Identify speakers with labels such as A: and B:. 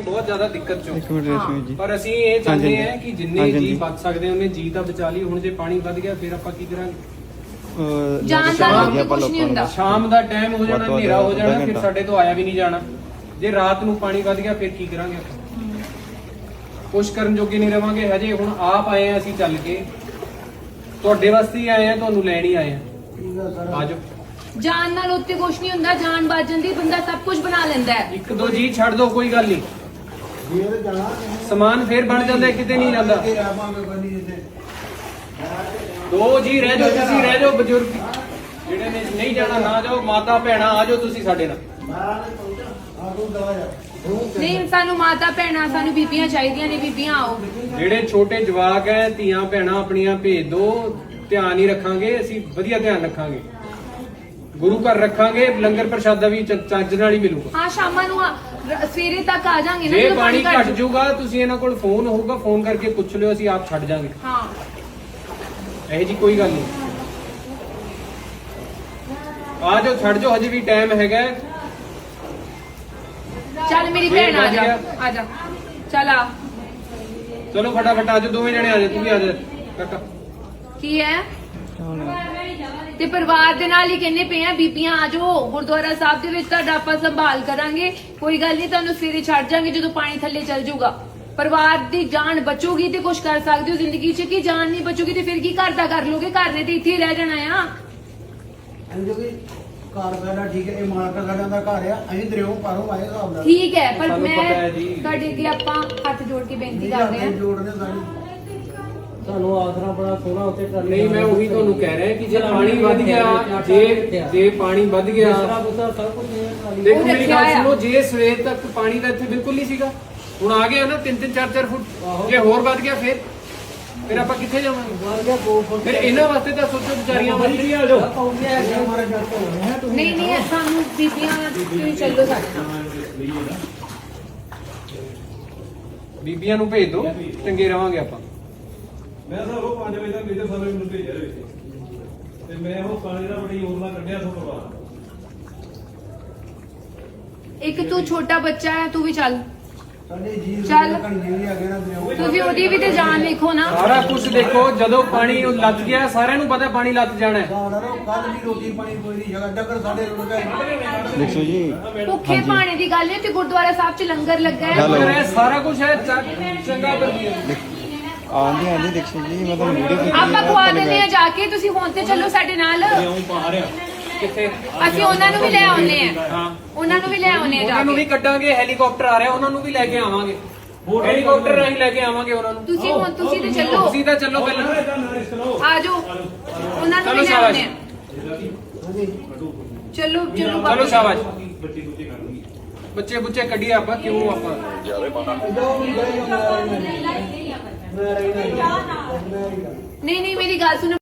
A: बहुत ज्यादा दिक्कत चो।
B: एक मिनट रेशमी जी
A: पर ਅਸੀਂ ਇਹ ਚਾਹੁੰਦੇ
B: हाँ
A: ਹਾਂ
B: जी।
A: ਕਿ ਜਿੰਨੇ
B: हाँ जी,
A: ਜੀ
B: जी।
A: ਬਚ ਸਕਦੇ ਉਹਨੇ ਜੀ ਤਾਂ ਬਚਾ ਲਈ। ਹੁਣ ਜੇ ਪਾਣੀ ਵੱਧ ਗਿਆ ਫਿਰ ਆਪਾਂ ਕੀ ਕਰਾਂਗੇ?
C: ਜਾਣ ਦਾ ਕੁਛ ਨਹੀਂ ਹੁੰਦਾ।
A: ਸ਼ਾਮ ਦਾ ਟਾਈਮ ਹੋ ਜਾਣਾ,
B: ਵੱਧ
A: ਹਨੇਰਾ ਹੋ ਜਾਣਾ,
B: ਅੱਧਾ
A: ਫਿਰ
B: ਘੰਟਾ।
A: ਸਾਡੇ ਤੋਂ ਆਇਆ ਵੀ ਨਹੀਂ ਜਾਣਾ। ਜੇ ਰਾਤ ਨੂੰ ਪਾਣੀ ਵੱਧ ਗਿਆ ਫਿਰ ਕੀ ਕਰਾਂਗੇ ਆਪਾਂ? ਕੁਛ ਕਰਨ ਜੋਗੇ ਨਹੀਂ ਰਵਾਂਗੇ। ਹਜੇ ਹੁਣ ਆਪ ਆਏ ਆ ਅਸੀਂ ਚੱਲ ਕੇ, ਤੁਹਾਡੇ ਵਾਸਤੇ ਹੀ ਆਏ ਆ, ਤੁਹਾਨੂੰ ਲੈਣ ਹੀ ਆਏ ਆ। ਆਜੋ।
C: ਜਾਨ ਨਾਲ ਉੱਤੇ ਕੁਛ ਨਹੀਂ ਹੁੰਦਾ, ਜਾਨ ਬਚ ਜਾਂਦੀ, ਬੰਦਾ ਸਭ ਕੁਝ ਬਣਾ ਲੈਂਦਾ ਹੈ।
A: ਇੱਕ ਦੋ ਜੀ ਛੱਡ ਦੋ, ਕੋਈ ਗੱਲ ਨਹੀਂ, ਸਮਾਨ ਫੇਰ ਬਣ ਜਾਂਦਾ, ਕਿਤੇ ਨਹੀਂ ਜਾਂਦਾ। ਦੋ ਜੀ ਰਹਿ ਜਾਓ, ਤੁਸੀਂ ਰਹਿ ਜਾਓ, ਬਜ਼ੁਰਗ ਜਿਹੜੇ ਨੇ ਨਹੀਂ ਜਾਣਾ ਨਾ ਜਾਓ, ਮਾਤਾ ਭੈਣਾ ਆ ਜਾਓ ਤੁਸੀਂ ਸਾਡੇ ਨਾਲ।
C: ਨਹੀਂ, ਸਾਨੂੰ ਮਾਤਾ ਭੈਣਾਂ, ਸਾਨੂੰ ਬੀਬੀਆਂ ਚਾਹੀਦੀਆਂ ਨੇ, ਬੀਬੀਆਂ ਆਓ।
A: ਜਿਹੜੇ ਛੋਟੇ ਜਵਾਕ ਹੈ, ਧੀਆਂ ਭੈਣਾਂ ਆਪਣੀਆਂ ਭੇਜ ਦੋ, ਧਿਆਨ ਹੀ ਰੱਖਾਂਗੇ ਅਸੀਂ, ਵਧੀਆ ਧਿਆਨ ਰੱਖਾਂਗੇ, ਗੁਰੂ ਘਰ ਰੱਖਾਂਗੇ, ਲੰਗਰ ਪ੍ਰਸ਼ਾਦਾ ਵੀ ਚੱਜ ਨਾਲ ਹੀ ਮਿਲੂਗਾ।
C: ਹਾਂ, ਸ਼ਾਮਾਂ ਨੂੰ ਸਵੇਰੇ ਤੱਕ ਆ ਜਾਾਂਗੇ ਨਾ।
A: ਜੇ
C: ਜਦੋਂ
A: ਪਾਣੀ ਘਟ
C: ਘੱਟ
A: ਜਾਊਗਾ ਤੁਸੀਂ ਇਹਨਾਂ ਕੋਲ ਫੋਨ ਹੋਊਗਾ, ਫੋਨ ਕਰਕੇ ਪੁੱਛ ਲਿਓ, ਅਸੀਂ ਆਪ ਛੱਡ ਜਾਾਂਗੇ।
C: ਹਾਂ,
A: ਇਹ ਜੀ ਕੋਈ ਗੱਲ ਨਹੀਂ, ਆ ਜਾਓ, ਛੱਡ ਜਾਓ, ਹਜੇ ਵੀ ਟਾਈਮ ਹੈਗਾ।
C: ਚੱਲ ਮੇਰੀ ਭੈਣ ਆ ਜਾ, ਆ ਜਾ, ਚੱਲ ਆ।
A: ਚਲੋ ਫਟਾਫਟ ਆ ਜਾਓ, ਦੋਵੇਂ ਜਣੇ ਆ ਜਾਓ, ਤੂੰ ਵੀ ਆ ਜਾ ਕਾਕਾ।
C: ਕੀ ਹੈ ਤੇ ਪਰਿਵਾਰ ਦੇ ਨਾਲ ਹੀ ਕਹਿੰਦੇ ਪਏ ਆ, ਬੀਬੀਆਂ ਆ ਜਾਓ ਗੁਰਦੁਆਰਾ ਸਾਹਿਬ ਦੇ ਵਿੱਚ, ਤੁਹਾਡਾ ਆਪਾਂ ਸੰਭਾਲ ਕਰਾਂਗੇ, ਕੋਈ ਗੱਲ ਨਹੀਂ, ਤੁਹਾਨੂੰ ਸਵੇਰੇ ਛੱਡ ਜਾਾਂਗੇ ਜਦੋਂ ਪਾਣੀ ਥੱਲੇ ਚੱਲ ਜਾਊਗਾ। ਪਰਿਵਾਰ ਦੀ ਜਾਨ ਬਚੂਗੀ ਤੇ ਕੁਝ ਕਰ ਸਕਦੇ ਹੋ ਜ਼ਿੰਦਗੀ 'ਚ, ਕਿ ਜਾਨ ਨਹੀਂ ਬਚੂਗੀ ਤੇ ਫਿਰ ਕੀ ਘਰ ਦਾ ਕਰ ਲੋਗੇ? ਘਰ ਨੇ ਤੇ ਇੱਥੇ ਹੀ ਰਹਿ ਜਾਣਾ ਆ।
D: ਘਰ ਸਾਡਾ ਠੀਕ ਹੈ, ਇਹ ਮਾਲਕਾ ਸਾਡਾ ਦਾ ਘਰ ਆ, ਅਸੀਂ ਦਰਿਓ ਪਾਰੋਂ ਆਏ ਹਿਸਾਬ ਨਾਲ।
C: ਠੀਕ ਹੈ, ਪਰ
A: ਸਾਨੂੰ
C: ਮੈਂ
A: ਪਤਾ ਹੈ ਜੀ।
C: ਤੁਹਾਡੇ ਅੱਗੇ ਆਪਾਂ ਹੱਥ ਜੋੜ ਕੇ ਬੇਨਤੀ ਕਰਦੇ ਹਾਂ।
D: ਜੋੜਨੇ ਸਾਡੀ
E: ਤੁਹਾਨੂੰ ਆਸਰਾ ਬੜਾ ਸੋਹਣਾ ਉੱਤੇ ਟਰਾਲੀ
A: ਨਹੀਂ, ਮੈਂ ਉਹੀ ਤੁਹਾਨੂੰ ਕਹਿ ਰਿਹਾ ਕਿ ਜੇ ਪਾਣੀ ਵੱਧ ਗਿਆ, ਜੇ ਪਾਣੀ ਵੱਧ ਗਿਆ,
E: ਆਸਰਾ ਬੁਸਰਾ ਸਭ ਕੁਝ ਹੈ ਟਰਾਲੀ।
A: ਦੇਖੋ
C: ਉਹ
A: ਮੇਰੀ
C: ਰੱਖਿਆ
A: ਗੱਲ
C: ਆ।
A: ਸੁਣੋ, ਜੇ ਸਵੇਰ ਤੱਕ ਪਾਣੀ ਦਾ ਇੱਥੇ ਬਿਲਕੁਲ ਨਹੀਂ ਸੀਗਾ, ਹੁਣ ਆ ਗਿਆ ਨਾ 3-3 4-4 ਫੁੱਟ, ਜੇ ਹੋਰ ਵੱਧ ਗਿਆ ਫਿਰ ਆਪਾਂ ਕਿੱਥੇ ਜਾਵਾਂਗੇ?
E: ਵੱਧ ਗਿਆ 2 ਫੁੱਟ।
A: ਫਿਰ ਇਹਨਾਂ ਵਾਸਤੇ ਤਾਂ ਸੋਚੋ, ਵਿਚਾਰੀਆਂ ਵਾਸਤੇ ਆ ਜਾਓ।
D: ਹਮਾਰੇ ਜੱਟ ਹੋਣੇ ਹੈ ਤੁਸੀਂ
C: ਨਹੀਂ ਨਹੀਂ, ਸਾਨੂੰ ਬੀਬੀਆਂ ਤੁਸੀਂ ਚੱਲੋ ਸਾਡੇ ਨਾਲ।
A: ਬੀਬੀਆਂ ਨੂੰ ਭੇਜ ਦਿਓ, ਚੰਗੇ ਰਵਾਂਗੇ ਆਪਾਂ।
F: ਮੈਂ ਸਰ ਉਹ 5 ਵਜੇ ਤੱਕ ਮੇਰੇ ਸਾਰੇ ਮੈਨੂੰ ਭੇਜਿਆ ਹੋਇਆ ਸੀ ਤੇ ਮੈਂ ਉਹ ਪਾਣੀ ਦਾ ਬੜੀ ਯੋਜਨਾ ਕੱਢਿਆ ਸੋ ਪਰਵਾਹ।
C: ਇੱਕ ਤੂੰ ਛੋਟਾ ਬੱਚਾ ਹੈ, ਤੂੰ ਵੀ ਚੱਲ।
D: ਸਾਡੇ ਜੀ
C: ਚੱਲ।
D: ਕਣੀਆਂ ਵੀ ਆ ਗਏ ਨਾ ਦਰਿਓ।
C: ਤੁਸੀਂ ਉਹਦੀ ਵੀ ਤੇ ਜਾਨ ਵੇਖੋ ਨਾ।
A: ਸਾਰਾ ਕੁਝ ਦੇਖੋ, ਜਦੋਂ ਪਾਣੀ ਉਹ ਲੱਗ ਗਿਆ, ਸਾਰਿਆਂ ਨੂੰ ਪਤਾ ਪਾਣੀ ਲੱਗ ਜਾਣਾ ਹੈ।
D: ਕੱਲ ਵੀ ਰੋਟੀ ਪਾਣੀ ਕੋਈ ਨਹੀਂ ਜਗ੍ਹਾ ਡੱਕਰ ਸਾਡੇ ਰੁੜ ਗਏ।
B: देखो जी
C: ਭੁੱਖੇ ਪਾਣੀ ਦੀ ਗੱਲ ਹੈ ਤੇ ਗੁਰਦੁਆਰਾ ਸਾਹਿਬ 'ਚ ਲੰਗਰ ਲੱਗਾ ਹੈ।
B: ਹੈਲੋ।
A: ਇਹ ਸਾਰਾ ਕੁਝ ਹੈ, ਚੰਗਾ ਕਰ ਦਿਆ।
B: आंधी आंधी देखो जी मैं तो वीडियो
C: ਆਪਾਂ ਖਵਾ ਦਿੰਦੇ ਆ ਜਾ ਕੇ, ਤੁਸੀਂ ਹੁਣ ਤੇ ਚੱਲੋ ਸਾਡੇ ਨਾਲ।
A: ਕਿੱਥੇ?
C: ਅਸੀਂ ਉਹਨਾਂ ਨੂੰ ਵੀ ਲੈ ਆਉਨੇ ਆ।
A: ਹਾਂ,
C: ਉਹਨਾਂ ਨੂੰ ਵੀ ਲੈ ਆਉਨੇ ਆ ਜਾ
A: ਉਹਨਾਂ ਨੂੰ ਵੀ
C: ਕੇ।
A: ਕੱਢਾਂਗੇ, ਹੈਲੀਕਾਪਟਰ ਆ ਰਿਹਾ, ਉਹਨਾਂ ਨੂੰ ਵੀ ਲੈ ਕੇ ਆਵਾਂਗੇ, ਹੈਲੀਕਾਪਟਰ ਰਾਹੀਂ ਲੈ ਕੇ ਆਵਾਂਗੇ ਉਹਨਾਂ ਨੂੰ।
C: ਤੁਸੀਂ ਹੁਣ ਤੁਸੀਂ ਤੇ ਚੱਲੋ,
A: ਤੁਸੀਂ ਤਾਂ ਚੱਲੋ ਪਹਿਲਾਂ।
C: ਆ ਜਾਓ, ਉਹਨਾਂ ਨੂੰ
A: ਚਲੋ
C: ਵੀ ਲੈ
A: ਸ਼ਾਬਾਸ਼।
C: ਆਉਨੇ ਆ। ਚਲੋ ਚਲੋ
A: ਚਲੋ
C: ਬਾਬਾ।
A: ਸ਼ਾਬਾਸ਼। ਬੱਚੇ ਬੁੱਚੇ ਕੱਢੀਏ ਆਪਾਂ, ਕਿਉਂ ਆਪਾਂ
C: ਨਹੀਂ ਨਹੀਂ, ਮੇਰੀ ਗੱਲ ਸੁਣੋ।